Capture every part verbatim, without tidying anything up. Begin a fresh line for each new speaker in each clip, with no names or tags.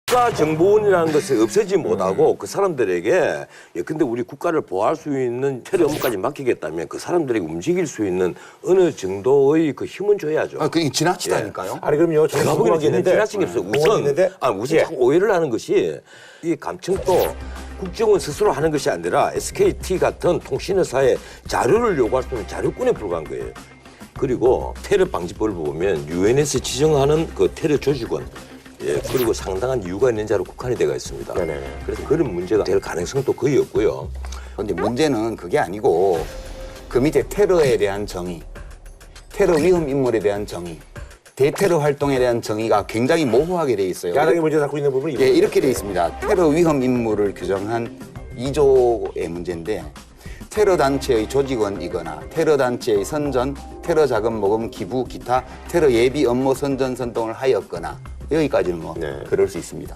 국가정보원이라는 것을 없애지 못하고 그 사람들에게 예컨대 우리 국가를 보호할 수 있는 처리 업무까지 맡기겠다면 그 사람들에게 움직일 수 있는 어느 정도의 그 힘은 줘야죠.
아, 그게 지나치다니까요.
예. 아니 그럼요. 저는
제가
궁금한
보기에는
게 있는데
지나친 게 없어요. 우선, 아, 우선
예.
자꾸 오해를 하는 것이 이 감청도 국정원 스스로 하는 것이 아니라 에스케이티 같은 통신회사에 자료를 요구할 수 있는 자료권에 불과한 거예요. 그리고 테러 방지법을 보면 유엔에서 지정하는 그 테러 조직원, 예, 그리고 상당한 이유가 있는 자로 국한이 되어 있습니다.
네네.
그래서 그런 문제가 될 가능성도 거의 없고요.
근데 문제는 그게 아니고 그 밑에 테러에 대한 정의, 테러 위험 인물에 대한 정의, 대테러 활동에 대한 정의가 굉장히 모호하게 돼 있어요.
야당이 문제 삼고 있는 부분이
예, 이렇게 돼 있습니다. 테러 위험 인물을 규정한 이 조의 문제인데 테러 단체의 조직원이거나 테러 단체의 선전, 테러 자금 모금 기부, 기타 테러 예비 업무 선전 선동을 하였거나 여기까지는 뭐
네.
그럴 수 있습니다.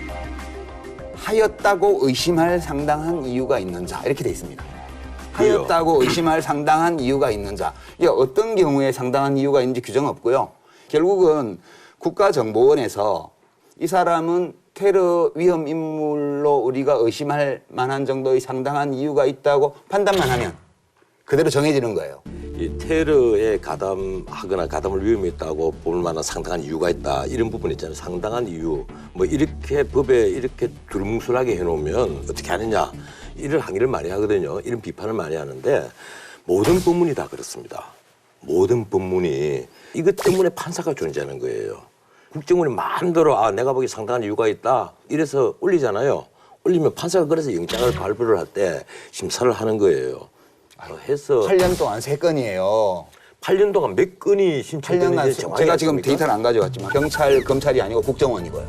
하였다고 의심할 상당한 이유가 있는 자 이렇게 돼 있습니다. 하였다고 의심할 상당한 이유가 있는 자. 이게 어떤 경우에 상당한 이유가 있는지 규정 없고요. 결국은 국가정보원에서 이 사람은 테러 위험 인물로 우리가 의심할 만한 정도의 상당한 이유가 있다고 판단만 하면 그대로 정해지는 거예요.
이 테러에 가담하거나 가담을 위험했다고 볼 만한 상당한 이유가 있다. 이런 부분 있잖아요. 상당한 이유. 뭐 이렇게 법에 이렇게 두루뭉술하게 해놓으면 어떻게 하느냐. 이런 항의를 많이 하거든요. 이런 비판을 많이 하는데 모든 법문이 다 그렇습니다. 모든 법문이 이것 때문에 판사가 존재하는 거예요. 국정원이 마음대로 아 내가 보기에 상당한 이유가 있다. 이래서 올리잖아요. 올리면 판사가 그래서 영장을 발부를 할 때 심사를 하는 거예요. 해서
팔 년 동안 세 건이에요.
팔 년 동안 몇 건이
팔
신청됐는지
년간
정확히
제가 지금
아십니까?
데이터를 안 가져왔지만 경찰, 검찰이 아니고 국정원이고요.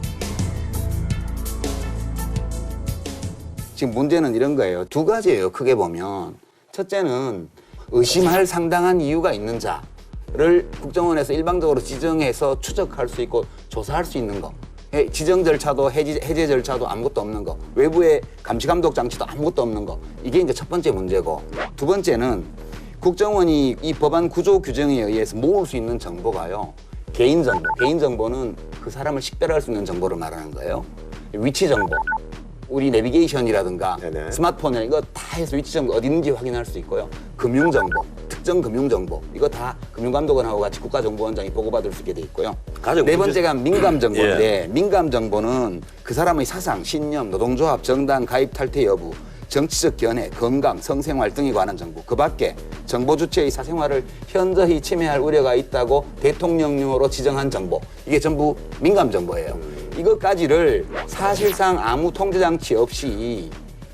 지금 문제는 이런 거예요. 두 가지예요. 크게 보면. 첫째는 의심할 상당한 이유가 있는 자를 국정원에서 일방적으로 지정해서 추적할 수 있고 조사할 수 있는 거. 해- 지정 절차도 해지, 해제 절차도 아무것도 없는 거. 외부의 감시 감독 장치도 아무것도 없는 거. 이게 이제 첫 번째 문제고. 두 번째는 국정원이 이 법안 구조 규정에 의해서 모을 수 있는 정보가요. 개인 정보. 개인 정보는 그 사람을 식별할 수 있는 정보를 말하는 거예요. 위치 정보. 우리 내비게이션이라든가
네네.
스마트폰에 이거 다 해서 위치 정보 어디 있는지 확인할 수 있고요. 금융 정보, 특정 금융 정보 이거 다 금융감독원하고 같이 국가정보원장이 보고받을 수 있게 돼 있고요.
가장
네
문제-
번째가 민감 정보인데
예.
민감 정보는 그 사람의 사상, 신념, 노동조합, 정당 가입 탈퇴 여부, 정치적 견해, 건강, 성생활 등에 관한 정보. 그 밖에 정보 주체의 사생활을 현저히 침해할 우려가 있다고 대통령령으로 지정한 정보. 이게 전부 민감 정보예요. 이것까지를 사실상 아무 통제 장치 없이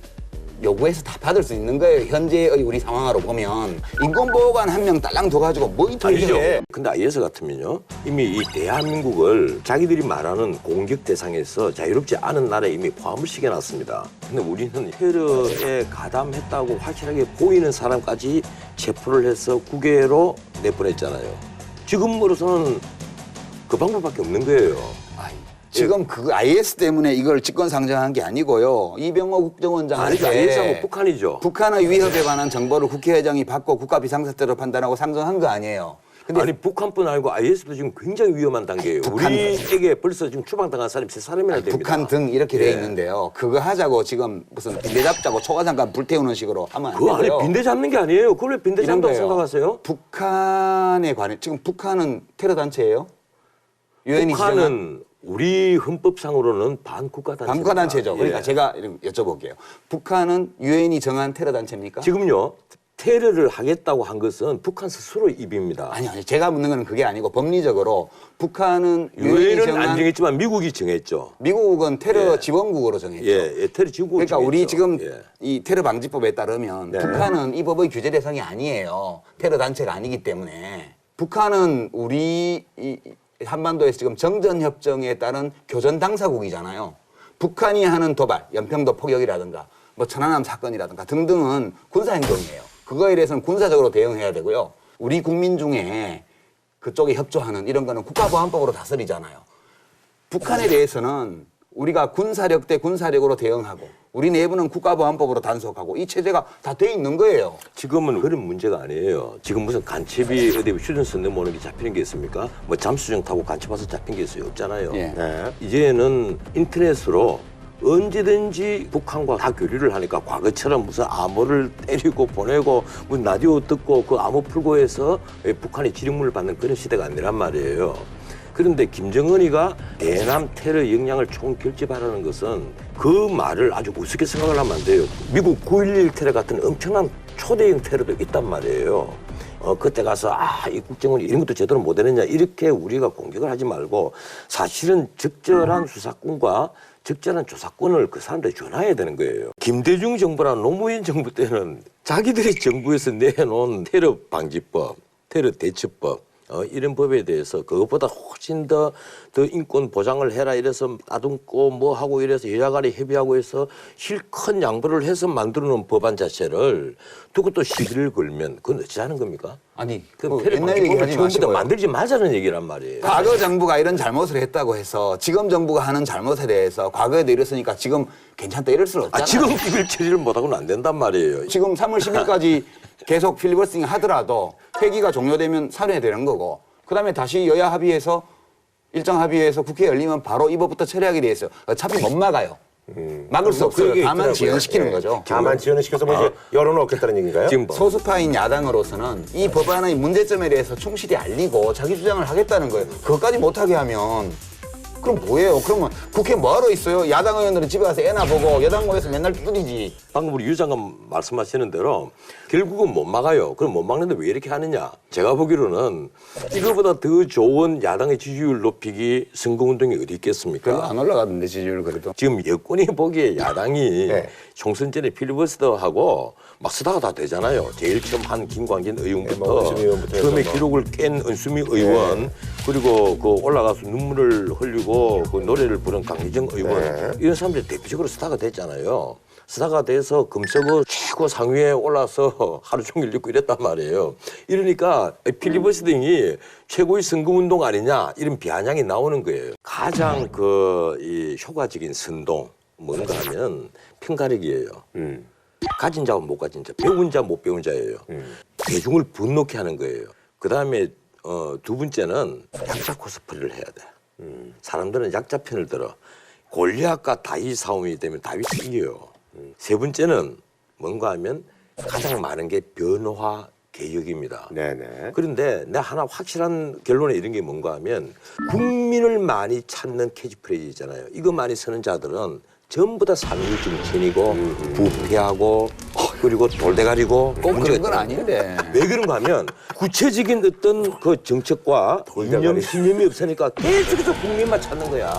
요구해서 다 받을 수 있는 거예요. 현재의 우리 상황으로 보면 인권보호관 한 명 딸랑 둬가지고 뭐 이토록
아니죠.
해.
근데 아이에스 같으면요. 이미 이 대한민국을 자기들이 말하는 공격 대상에서 자유롭지 않은 나라에 이미 포함을 시켜놨습니다. 근데 우리는 테러에 가담했다고 확실하게 보이는 사람까지 체포를 해서 국외로 내보냈잖아요. 지금으로서는 그 방법밖에 없는 거예요.
아이, 지금 그 아이에스 때문에 이걸 직권 상정한 게 아니고요. 이병호 국정원장한테
아니죠. 아이에스하고 북한이죠.
북한의 위협에 관한 정보를 국회의장이 받고 국가 비상사태로 판단하고 상정한 거 아니에요. 근데
아니 북한뿐 아니고 아이에스도 지금 굉장히 위험한 단계예요.
북한-
우리에게 벌써 지금 추방당한 사람이 세 사람이나 됩니다.
북한 등 이렇게 돼
예.
있는데요. 그거 하자고 지금 무슨 빈대 잡자고 초가상간 불태우는 식으로 하면 안
그거 안에
되고요.
빈대 잡는 게 아니에요. 그걸 왜 빈대
이런
잡는다고
거예요.
생각하세요?
북한에 관해 지금 북한은 테러 단체예요? 유엔이 지정한
북한은 우리 헌법상으로는 반국가 단체.
반국가 단체죠. 그러니까 제가 이런 여쭤볼게요. 북한은 유엔이 정한 테러 단체입니까?
지금요 테러를 하겠다고 한 것은 북한 스스로 입입니다.
아니 아니 제가 묻는 건 그게 아니고 법리적으로 북한은 유엔이
유엔은
정한
안 정했지만 미국이 정했죠.
미국은 테러
예.
지원국으로 정했죠.
예, 예 테러 지구.
그러니까 우리 지금
예.
이 테러 방지법에 따르면
네.
북한은 이 법의 규제 대상이 아니에요. 테러 단체가 아니기 때문에 북한은 우리 이 한반도에서 지금 정전 협정에 따른 교전 당사국이잖아요. 북한이 하는 도발, 연평도 포격이라든가 뭐 천안함 사건이라든가 등등은 군사 행동이에요. 그거에 대해서는 군사적으로 대응해야 되고요. 우리 국민 중에 그쪽에 협조하는 이런 거는 국가보안법으로 다스리잖아요. 북한에 대해서는 우리가 군사력 대 군사력으로 대응하고 우리 내부는 국가보안법으로 단속하고 이 체제가 다 돼 있는 거예요.
지금은 그런 문제가 아니에요. 지금 무슨 간첩이 어디 휴전선 넘어오는 게 잡히는 게 있습니까? 뭐 잠수정 타고 간첩 와서 잡힌 게 있어요? 없잖아요.
예.
네.
이제는 인터넷으로 언제든지 북한과 다 교류를 하니까 과거처럼 무슨 암호를 때리고 보내고 무슨 라디오 듣고 그 암호 풀고 해서 북한이 지령문을 받는 그런 시대가 아니란 말이에요. 그런데 김정은이가 대남 테러 역량을 총결집하라는 것은 그 말을 아주 우습게 생각을 하면 안 돼요. 미국 구일일 테러 같은 엄청난 초대형 테러도 있단 말이에요. 어, 그때 가서, 아, 이 국정원이 이런 것도 제대로 못 해냈냐, 이렇게 우리가 공격을 하지 말고 사실은 적절한 수사권과 적절한 조사권을 그 사람들이 전해야 되는 거예요. 김대중 정부랑 노무현 정부 때는 자기들이 정부에서 내놓은 테러 방지법, 테러 대처법, 어, 이런 법에 대해서 그것보다 훨씬 더, 더 인권 보장을 해라 이래서 따듬고 뭐 하고 이래서 여야간에 협의하고 해서 실컷 양보를 해서 만들어 놓은 법안 자체를 두고 또 시비를 걸면 그건 어찌하는 겁니까?
아니,
그
뭐
테러
옛날 얘기
방지법을
하지
처음부터
마시고요.
만들지 말자는 얘기란 말이에요.
과거 정부가 이런 잘못을 했다고 해서 지금 정부가 하는 잘못에 대해서 과거에도 이랬으니까 지금 괜찮다 이럴 수는 없잖아요.
아, 지금 이걸 처리를 못하고는 안 된단 말이에요.
지금 삼월 십일까지 계속 필리버스팅 하더라도 회기가 종료되면 살해되는 거고 그다음에 다시 여야 합의해서 일정 합의해서 국회 열리면 바로 이 법부터 처리하게 돼 있어요. 어차피 못 막아요. 막을 수 없어요.
그게
다만
있더라고요.
지연시키는
예.
거죠.
다만 지연을 시켜서 뭐 이제 여론을 얻겠다는 얘기인가요?
지금 뭐
소수파인 야당으로서는 이 법안의 문제점에 대해서 충실히 알리고 자기 주장을 하겠다는 거예요. 그것까지 못하게 하면 그럼 뭐예요? 그러면 국회 뭐하러 있어요? 야당 의원들은 집에 가서 애나 보고 여당 모여서 맨날 두드리지.
방금 우리 유 장관 말씀하시는 대로 결국은 못 막아요. 그럼 못 막는데 왜 이렇게 하느냐? 제가 보기로는 이거보다 더 좋은 야당의 지지율 높이기 선거운동이 어디 있겠습니까?
별로 안 올라가던데 지지율 그래도.
지금 여권이 보기에 야당이
네.
총선 전에 필리버스터하고 막 쓰다가 다 되잖아요. 제일 처음 한 김광진
네, 뭐
의원부터
은수미 의원부터
처음에
해서 뭐.
기록을 깬 은수미 의원
네.
그리고 그 올라가서 눈물을 흘리고 그 노래를 부른 강희정 의원
네.
이런 사람들이 대표적으로 스타가 됐잖아요. 스타가 돼서 금서고 최고 상위에 올라서 하루 종일 읽고 이랬단 말이에요. 이러니까 필리버스팅이 최고의 선거운동 아니냐 이런 비아냥이 나오는 거예요. 가장 그 이 효과적인 선동 뭔가 하면 편가르기예요.
음.
가진 자와 못 가진 자, 배운 자 못 배운 자예요.
음.
대중을 분노케 하는 거예요. 그 다음에 어, 두 번째는 약자 코스프레를 해야 돼.
음.
사람들은 약자 편을 들어. 골리앗과 다윗 싸움이 되면 다윗이 이겨요. 음. 세 번째는 뭔가 하면 가장 많은 게 변화 개혁입니다.
네네.
그런데 내가 하나 확실한 결론에 이런 게 뭔가 하면 국민을 많이 찾는 캐치프레이즈잖아요. 이거 많이 쓰는 자들은 전부 다 상위 정치인이고 부패하고 그리고 돌대가리고
꼭
문제가
그런 건
있다는
아닌데.
거예요. 왜 그런가 하면 구체적인 어떤 그 정책과 이념, 신념이 없으니까 계속해서 국민만 찾는 거야.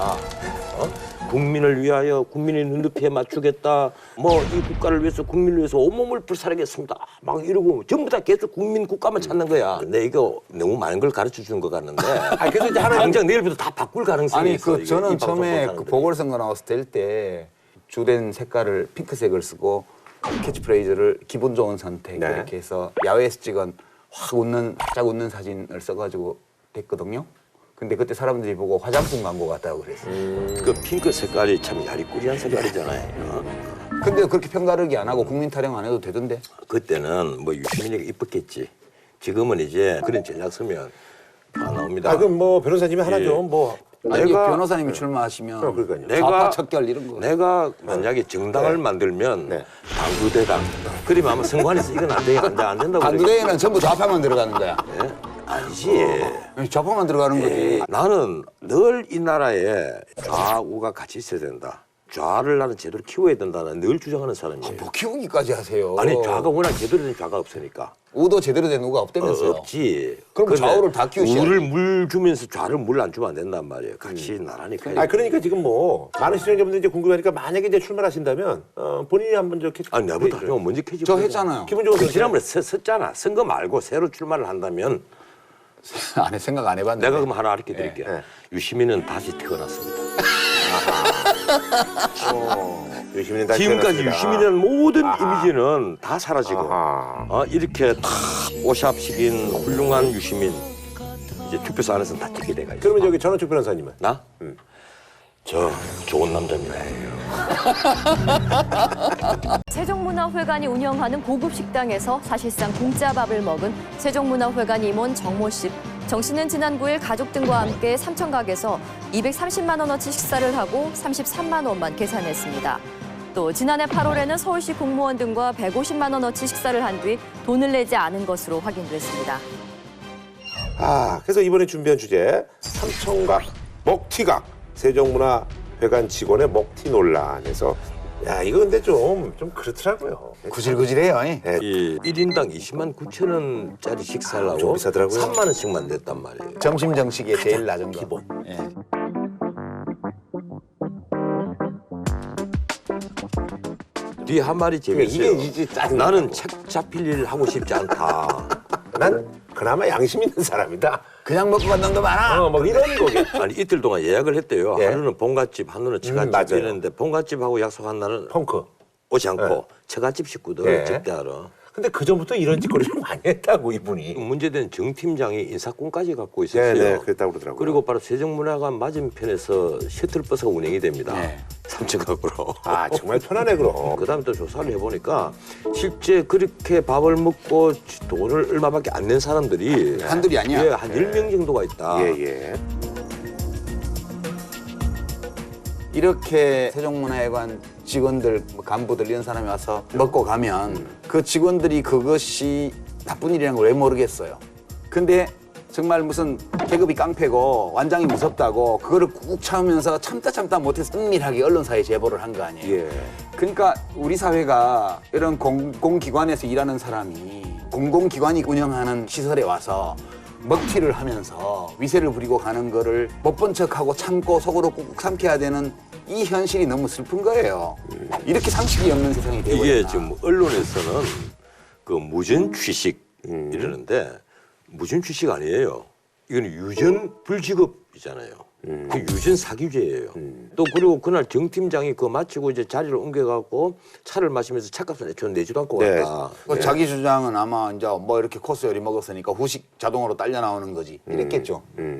어? 국민을 위하여 국민의 눈높이에 맞추겠다. 뭐 이 국가를 위해서 국민을 위해서 온몸을 불사르겠습니다. 막 이러고 전부 다 계속 국민 국가만 찾는 거야. 근데 이거 너무 많은 걸 가르쳐 주는 것 같는데.
아, 그래서 이제 하나
당장 내일부터 다 바꿀 가능성이
아니
있어.
그
이게
저는
이 방송
처음에
보는
그
사람들이.
보궐선거 나왔을 때 주된 색깔을 핑크색을 쓰고 캐치프레이즈를 기분 좋은 선택
네.
이렇게 해서 야외에서 찍은 확 웃는 활짝 웃는 사진을 써가지고 됐거든요. 근데 그때 사람들이 보고 화장품 광고 같다고 그랬어요.
그 핑크 색깔이 참 야리꾸리한 색깔이잖아요. 어?
근데 그렇게 편가르기 안 하고 국민 타령 안 해도 되던데.
그때는 뭐 유시민이가 이뻤겠지. 지금은 이제 그런 전략 쓰면 안 나옵니다.
아, 그럼 뭐 변호사님이 하나
예.
좀 뭐.
아니
내가-
변호사님이 출마하시면
어, 그러니까요.
내가-
좌파 척결 이런 거.
내가 만약에 정당을
네.
만들면
네.
당구대당. 그러면 아마 선관위에서 이건 안 돼, 안 돼, 안 된다고.
반두대에는 전부 좌파만 들어가는 거야.
그래. 아니지.
좌파만 들어가는 거지.
에이, 나는 늘 이 나라에 좌우가 같이 있어야 된다. 좌를 나는 제대로 키워야 된다는 늘 주장하는 사람이에요.
뭐 키우기까지 하세요.
아니 좌가 워낙 제대로 된 좌가 없으니까.
우도 제대로 된 우가
어,
없다면서요.
없지.
그럼
근데
좌우를 다 키우셔야지.
우를 물 주면서 좌를 물 안 주면 안 된단 말이에요. 같이 나란히 가야
아, 그러니까 지금 뭐 많은 시청자분들이 이제 궁금하니까 만약에 이제 출마하신다면 어, 본인이 한번 저 캐치.
아니 내보다 좀 먼저 캐지.
저 했잖아요.
기본적으로
그 지난번에 서- 섰잖아. 선거 말고 새로 출마를 한다면
안에 생각 안 해봤는데.
내가 그럼 하나 가르쳐 드릴게요.
네.
유시민은 다시 태어났습니다.
유시민은 다시
지금까지
태어났습니다.
유시민이라는 모든
아하.
이미지는 다 사라지고
아하.
어, 이렇게 탁 오샵식인 훌륭한 유시민 이제 투표소 안에서 다 찍게 돼가지고.
그러면 저기 전원축 변호사님은?
나? 저 좋은 남자입니다.
세종문화회관이 운영하는 고급 식당에서 사실상 공짜 밥을 먹은 세종문화회관 임원 정모 씨. 정 씨는 지난 구 일 가족 등과 함께 삼천각에서 이백삼십만 원어치 식사를 하고 삼십삼만 원만 계산했습니다. 또 지난해 팔월에는 서울시 공무원 등과 백오십만 원어치 식사를 한 뒤 돈을 내지 않은 것으로 확인됐습니다.
아, 그래서 이번에 준비한 주제 삼천각 먹튀각 세종문화회관 직원의 먹튀 논란에서 야 이거 근데 좀 좀 그렇더라고요.
구질구질해요. 이.
네,
이 일 인당 이십만 구천 원짜리 식사를
좀
하고
비싸더라고요.
삼만 원씩만 냈단 말이에요.
점심 정식의 제일 낮은 거.
기본.
예.
뒤에 한 말이
그러니까
재밌어요.
이게 이제 짜증나.
나는 책 잡힐 일을 하고 싶지 않다.
난 그나마 양심 있는 사람이다.
그냥 먹고 간 놈도 많아.
어, 뭐 이런 거겠지.
아니 이틀 동안 예약을 했대요.
예.
하루는 본갓집, 하루는
음,
처갓집
맞아요.
이랬는데 본갓집하고 약속한 날은
펑크.
오지 않고
예.
처갓집 식구들
예.
접대하러.
근데 그 전부터 이런 짓거리를 많이 했다고 이분이.
문제된 정 팀장이 인사권까지 갖고 있었어요.
네네 그랬다고 그러더라고요.
그리고 바로 세종문화관 맞은편에서 셔틀버스가 운행이 됩니다.
네.
삼천각으로.
아 정말 편하네 그럼.
그다음에 또 조사를 해보니까 실제 그렇게 밥을 먹고 돈을 얼마밖에 안 낸 사람들이
한둘이 아니야.
예, 한 열 명 정도가 있다.
예예.
이렇게 세종문화회관 직원들, 뭐 간부들 이런 사람이 와서 먹고 가면 그 직원들이 그것이 나쁜 일이라는 걸 왜 모르겠어요. 근데 정말 무슨 계급이 깡패고 완장이 무섭다고 그거를 꾹 참으면서 참다 참다 못해서 은밀하게 언론사에 제보를 한 거 아니에요.
예.
그러니까 우리 사회가 이런 공공기관에서 일하는 사람이 공공기관이 운영하는 시설에 와서 먹튀를 하면서 위세를 부리고 가는 거를 못 본 척하고 참고 속으로 꾹꾹 삼켜야 되는 이 현실이 너무 슬픈 거예요. 이렇게 상식이 없는 세상이 되고
이게
있나.
지금 언론에서는 그 무전 취식 이러는데 무전 취식 아니에요. 이건 유전 불지급이잖아요. 그 유전 사기죄예요. 또 그리고 그날 정 팀장이 그거 마치고 이제 자리를 옮겨갖고 차를 마시면서 차값을 애초에 내지도 않고
네.
갔다.
그 자기 주장은 아마 이제 뭐 이렇게 코스 요리 먹었으니까 후식 자동으로 딸려 나오는 거지. 이랬겠죠.
음.